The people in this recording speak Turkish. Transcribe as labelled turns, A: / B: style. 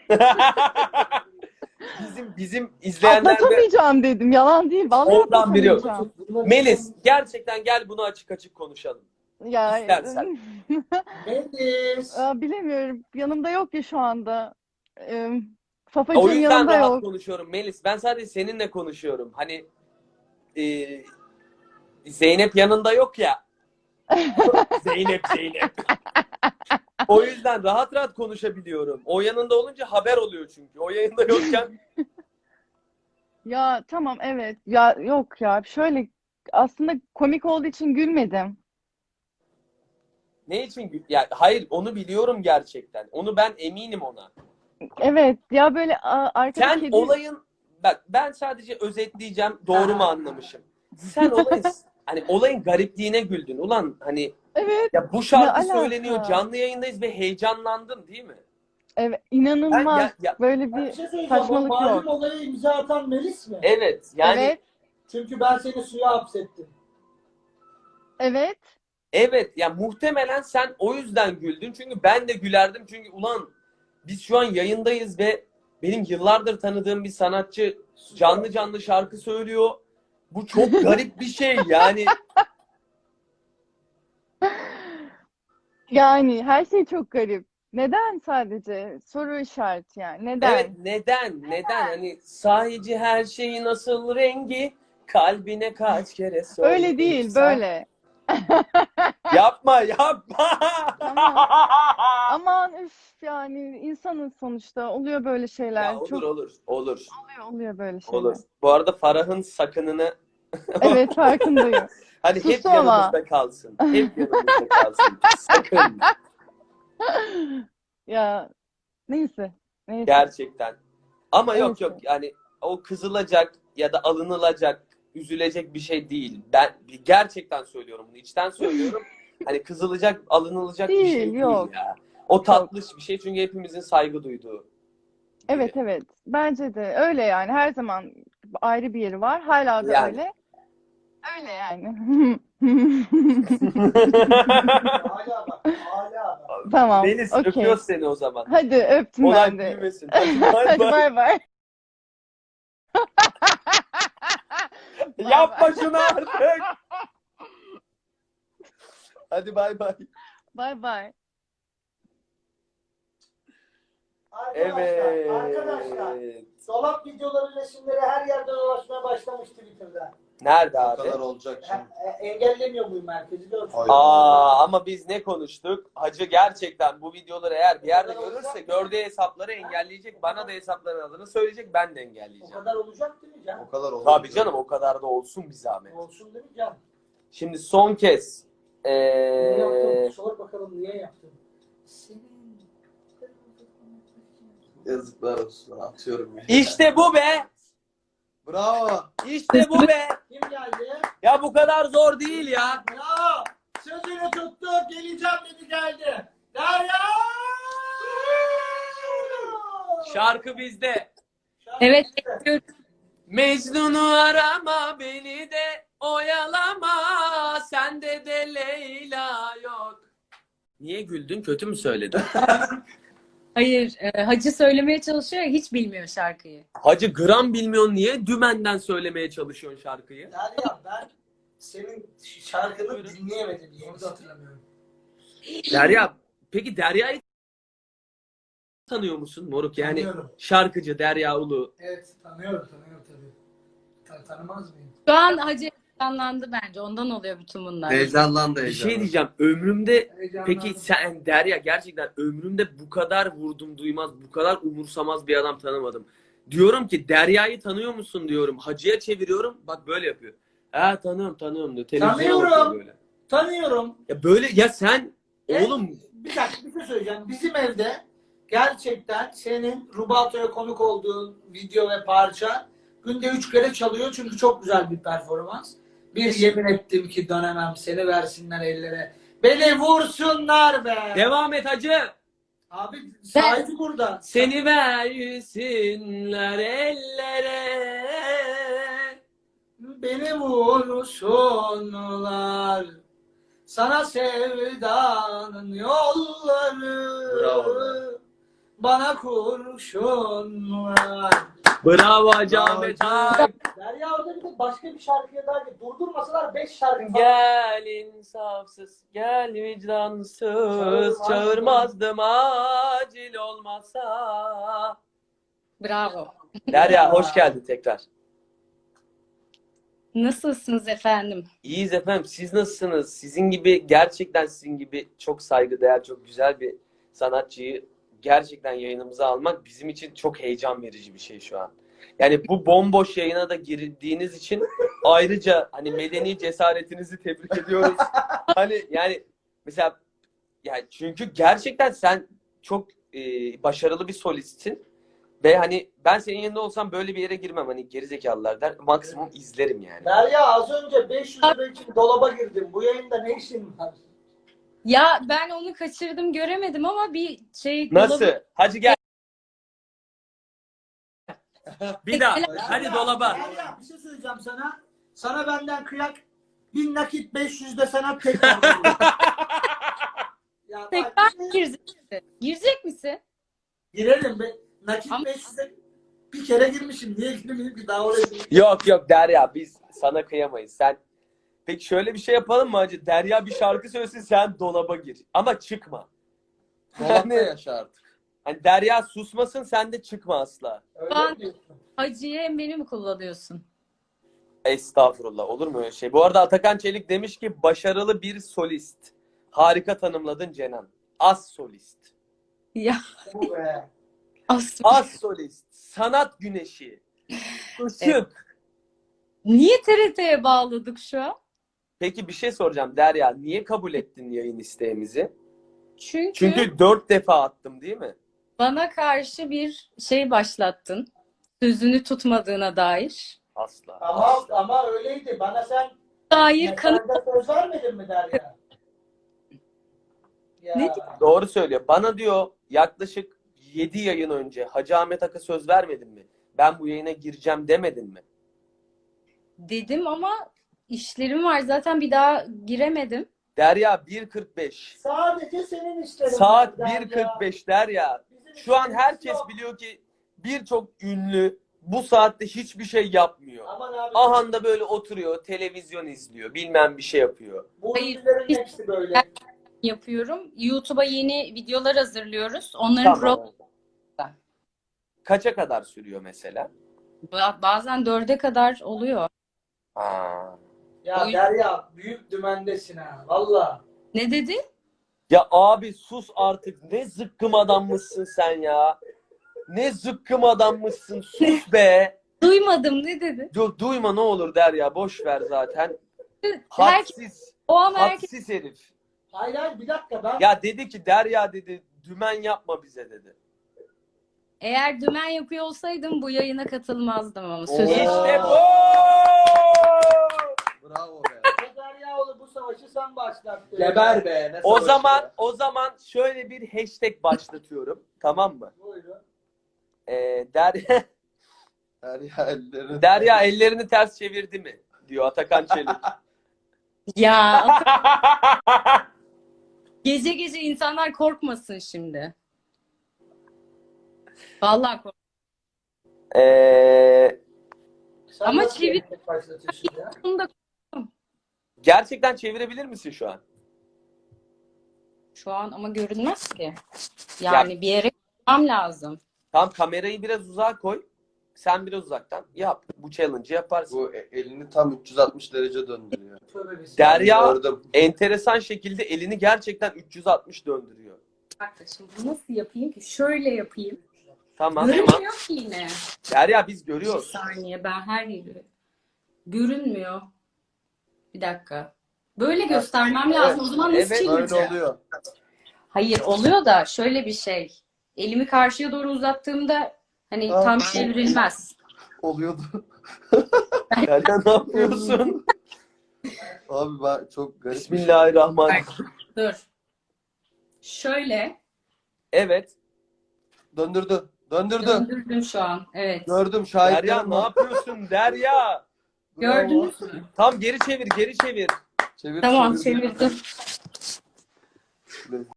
A: Bizim izleyenler de
B: Atlatamayacağım dedim. Yalan değil. Vallahi
A: oradan biliyor.
B: atlatamayacağım.
A: Melis, gerçekten gel bunu açık açık konuşalım.
B: Ya
A: İstersen.
C: Melis.
B: bilemiyorum. Yanımda yok ya şu anda. Ee,
A: O
B: Fafacığım
A: yüzden
B: yanımda
A: rahat
B: yok.
A: konuşuyorum Melis. Ben sadece seninle konuşuyorum. Hani e, Zeynep yanında yok ya. Zeynep. O yüzden rahat rahat konuşabiliyorum. O yanında olunca haber oluyor çünkü. O yanında yokken
B: Ya tamam evet. Ya yok ya. Şöyle aslında komik olduğu için gülmedim.
A: ne için? Ya hayır, onu biliyorum gerçekten. Onu ben eminim ona.
B: Evet ya böyle arkada
A: Sen
B: kedi.
A: olayın, bak ben sadece özetleyeceğim, doğru mu anlamışım? Sen olayın garipliğine güldün. Ulan hani
B: Evet.
A: ya bu
B: Ne
A: şarkı
B: alaka?
A: söyleniyor, canlı yayındayız ve heyecanlandın değil mi?
B: Evet,
A: Ben
B: inanılmaz.
A: ya
B: Böyle
C: Ben bir
B: bir
C: şey söyleyeceğim. O
B: saçmalık
C: malum
B: yok.
C: olayı imza atan Melis mi?
A: evet yani
B: Evet,
C: Çünkü ben seni suya hapsettim.
B: evet.
A: evet ya muhtemelen sen o yüzden güldün. Çünkü ben de gülerdim. Çünkü ulan biz şu an yayındayız ve benim yıllardır tanıdığım bir sanatçı canlı canlı şarkı söylüyor. Bu çok garip bir şey yani.
B: Yani her şey çok garip. Neden sadece? Soru işareti yani.
A: Evet,
B: Neden?
A: neden hani sahici her şeyi nasıl rengi kalbine kaç kere
B: Öyle değil,
A: sorduysa.
B: böyle.
A: Yapma.
B: Tamam. Aman üf yani insanın sonuçta oluyor böyle
A: Ya
B: şeyler.
A: olur
B: Çok
A: olur olur
B: oluyor böyle
A: olur.
B: şeyler.
A: Bu arada Farah'ın sakınını
B: Evet farkındayım.
A: hani hep
B: Sustum ama.
A: yanımızda kalsın. Hep yanımızda kalsın. Sakın.
B: Ya neyse. Neyse.
A: Gerçekten. Ama yok
B: Neyse.
A: yani o kızılacak ya da alınılacak, üzülecek bir şey değil. Ben gerçekten söylüyorum bunu. İçten söylüyorum. Hani kızılacak, alınılacak bir
B: Değil,
A: şey değil
B: yok.
A: ya. O
B: Yok.
A: tatlış bir şey çünkü hepimizin saygı duyduğu
B: Evet
A: biri.
B: evet. Bence de öyle yani. Her zaman ayrı bir yeri var. Hala da
A: Yani.
B: öyle. Öyle yani.
C: Hala bak. Hala bak.
B: Tamam.
A: Deniz
B: Okey.
A: öpüyoruz seni o zaman.
B: Hadi öptüm ben
A: Olay
B: de.
A: büyümesin. Hadi bay
B: Hadi
A: bay.
B: bay bay. Bay
A: Yapma
B: bay.
A: şunu artık. Hadi bay bay.
B: Bay bay.
C: Arkadaşlar.
A: Evet.
C: Dolap videoları, resimleri her yerde dolaşmaya başlamış Twitter'da.
A: Nerede
D: O
A: abi?
D: kadar olacak şimdi.
C: Engellemiyor muyum merkezi? Görsün.
D: Hayır.
A: Ama biz ne konuştuk? Hacı gerçekten bu videoları eğer bir yerde görürse gördüğü hesapları engelleyecek. Bana da hesapların adını söyleyecek. Ben de
C: O
A: engelleyeceğim.
C: kadar olacak değil mi Can?
D: O kadar olacak.
A: Tabii canım, o kadar da olsun bir zahmet.
C: Olsun değil mi Can?
A: Şimdi son kez.
C: Ne yaptın? Sor bakalım niye yaptın? Senin...
D: Yazıklar olsun. Atıyorum ya.
A: İşte bu be.
D: Bravo.
A: İşte bu be.
C: Kim geldi?
A: Ya bu kadar zor değil ya.
C: Bravo! Sözünü tuttu, geleceğim dedi geldi. Derya!
A: Şarkı bizde.
E: Evet,
C: Şarkı.
E: bekliyorum.
A: Mecnun'u arama, beni de oyalama. Sende de Leyla yok. Niye güldün? Kötü mü söyledim?
E: Hayır, Hacı söylemeye çalışıyor ya, hiç bilmiyor şarkıyı.
A: Hacı gram bilmiyorsun, niye dümenden söylemeye çalışıyorsun şarkıyı?
C: Derya ben senin şarkını dinleyemedim. Onu da hatırlamıyorum.
A: Derya, peki Derya'yı tanıyor musun moruk? Yani
C: Tanıyorum.
A: şarkıcı Derya Ulu.
C: Evet tanıyorum tabii. Tanımaz mıyım?
E: Şu an Hacı heyecanlandı bence. Ondan oluyor bütün bunlar.
D: Heyecanlandı
A: Bir
D: heyecanlandı.
A: şey diyeceğim, ömrümde
C: Heyecanlandım.
A: peki sen Derya, gerçekten ömrümde bu kadar vurdum duymaz, bu kadar umursamaz bir adam tanımadım. Diyorum ki Derya'yı tanıyor musun diyorum. Hacı'ya çeviriyorum, bak böyle yapıyor. Ha tanıyorum diyor. Televizyona
C: Tanıyorum.
A: bakıyor böyle.
C: Tanıyorum.
A: Ya böyle ya sen
C: Evet.
A: oğlum
C: Bir dakika bir şey söyleyeceğim. Bizim evde gerçekten senin Rubato'ya konuk olduğun video ve parça günde 3 kere çalıyor çünkü çok güzel bir performans. Bir yemin ettim ki dönemem seni versinler ellere. Beni vursunlar be.
A: devam et Hacı.
C: Abi sahibi burada.
A: Seni versinler ellere.
C: Beni vursunlar. Sana sevdanın yolları.
D: Bravo be.
C: bana kurşun var.
A: Bravo Hacı Ahmet Ak.
C: Derya orada bir de başka bir şarkıya daha durdurmasalar 5 şarkı falan.
A: Gel insafsız, gel vicdansız, çağırmazdım acil olmasa.
E: Bravo.
A: Derya hoş geldin tekrar.
E: Nasılsınız efendim?
A: İyiyiz efendim. Siz nasılsınız? Sizin gibi, gerçekten sizin gibi çok saygıdeğer, çok güzel bir sanatçıyı gerçekten yayınımıza almak bizim için çok heyecan verici bir şey şu an. Yani bu bomboş yayına da girdiğiniz için ayrıca hani medeni cesaretinizi tebrik ediyoruz. Hani yani mesela yani çünkü gerçekten sen çok başarılı bir solistsin. Ve hani ben senin yanında olsam böyle bir yere girmem. Hani gerizekalılar der. Maksimum izlerim yani.
C: Derya az önce 500 lira için dolaba girdim. Bu yayında ne işin var?
E: Ya ben onu kaçırdım, göremedim ama bir şey
A: Nasıl? Hadi gel. Bir
E: Peki,
A: daha.
E: helal.
A: Hadi dolaba.
C: Derya bir şey söyleyeceğim sana. Sana benden kıyak 1000 nakit 500 de sana tekrar. veriyorum. Ya bak,
E: tekrar
C: bir şey-
E: girecek misin? Girecek misin?
C: girelim be. Nakit
E: Ama-
C: 500'e bir kere girmişim. Niye girmeyeyim ki daha oraya gireyim?
A: Yok yok Derya biz sana kıyamayız. Sen peki şöyle bir şey yapalım mı hacı? Derya bir şarkı söylesin sen dolaba gir. Ama çıkma.
D: Dolapta yaşa artık.
A: Hani Derya susmasın sen de çıkma asla.
C: Öyle mi diyorsun?
E: Hacı'ya hem beni mi kullanıyorsun?
A: Estağfurullah olur mu öyle şey? Bu arada Atakan Çelik demiş ki başarılı bir solist. Harika tanımladın Cenan. Az solist.
E: Ya
C: Bu be.
E: aslında
A: Az solist. Sanat güneşi. Işık.
E: niye TRT'ye bağladık şu an?
A: Peki bir şey soracağım Derya. Niye kabul ettin yayın isteğimizi?
E: Çünkü
A: Çünkü 4 defa attım değil mi?
E: bana karşı bir şey başlattın. Sözünü tutmadığına dair.
A: Asla.
C: Ama öyleydi. Bana sen
E: Dair kanıt.
C: mesajda söz vermedin mi Derya? Ya.
E: Ne
A: Doğru söylüyor. Bana diyor yaklaşık 7 yayın önce Hacı Ahmet Ak'a söz vermedin mi? Ben bu yayına gireceğim demedin mi?
E: dedim ama işlerim var. Zaten bir daha giremedim.
A: Derya 1.45.
C: Sadece senin işlerin.
A: Saat
C: var Derya.
A: 1.45 Derya.
C: Bizim
A: Şu an
C: işlerimiz
A: herkes
C: yok.
A: biliyor ki birçok ünlü bu saatte hiçbir şey yapmıyor.
C: Aman abi.
A: Ahanda böyle oturuyor, televizyon izliyor, bilmem bir şey yapıyor.
C: Bu
E: Hayır.
C: ünlülerin hepsi böyle.
E: Yapıyorum. YouTube'a yeni videolar hazırlıyoruz. Onların
A: Tamam. Kaça kadar sürüyor mesela?
E: bazen 4'e kadar oluyor.
A: Aa.
C: Ya
E: O-
C: Derya büyük dümendesin ha. Valla.
E: Ne dedi?
A: Ya abi sus artık. Ne zıkkım adammışsın sen ya. Ne zıkkım adammışsın. Sus be.
E: Duymadım, ne dedi?
A: Duyma ne olur Derya. Boş ver zaten.
E: Herkes,
A: Hadsiz.
E: o an herkes
A: Hadsiz herif.
C: Hayır hayır bir dakika ben.
A: Ya dedi ki Derya dedi dümen yapma bize dedi.
E: eğer dümen yapıyor olsaydım bu yayına katılmazdım ama
D: Oo.
E: sözü.
A: İşte bu.
D: Bravo be.
C: Deryaoğlu bu savaşı sen başlattın.
D: Geber be. Ne
A: O
D: savaşı
A: zaman
D: be.
A: o zaman şöyle bir hashtag başlatıyorum. Tamam mı?
C: Buyurun.
A: Derya,
D: Derya ellerini.
A: Derya ellerini ters çevirdi mi? Diyor Atakan Çelik.
E: Ya gece gece insanlar korkmasın şimdi. Vallahi kork.
C: Sen
E: Ama
C: nasıl
E: çevir-
C: yemek başlatıyorsun ya?
E: Bunu da
A: Gerçekten çevirebilir misin şu an?
E: şu an ama görünmez ki. Yani bir yere koymam lazım.
A: Tam kamerayı biraz uzağa koy. Sen biraz uzaktan yap. Bu challenge'ı yaparsın.
D: Bu elini tam 360 derece döndürüyor.
C: Tövbe bismillah.
A: Derya
D: Gördüm.
A: enteresan şekilde elini gerçekten 360 döndürüyor.
E: Bak şimdi bunu nasıl yapayım ki? Şöyle yapayım.
A: Tamam.
E: Görünmüyor ki yine.
A: Derya biz
E: Bir
A: görüyoruz.
E: saniye, ben her yeri görünmüyor. Bir dakika. Böyle göstermem lazım. O zaman nasıl
A: Evet,
D: Böyle
E: çevireceğim?
D: oluyor.
E: Hayır, oluyor da şöyle bir şey. Elimi karşıya doğru uzattığımda hani
D: Aa.
E: tam çevrilmez.
D: Oluyordu.
A: Derya ne yapıyorsun?
D: Abi ben çok garip. bir şey.
A: Bismillahirrahmanirrahim.
E: Dur. Şöyle
D: Evet. Döndürdü. Döndürdü.
E: döndürdüm şu an. Evet.
D: Gördüm
A: Derya
D: şahitlerim
A: ne
D: var.
A: yapıyorsun Derya?
D: Bravo.
E: Gördünüz mü?
A: Tam geri çevir, geri çevir.
D: Çevir,
E: Tamam,
D: çevir.
E: çevirdim.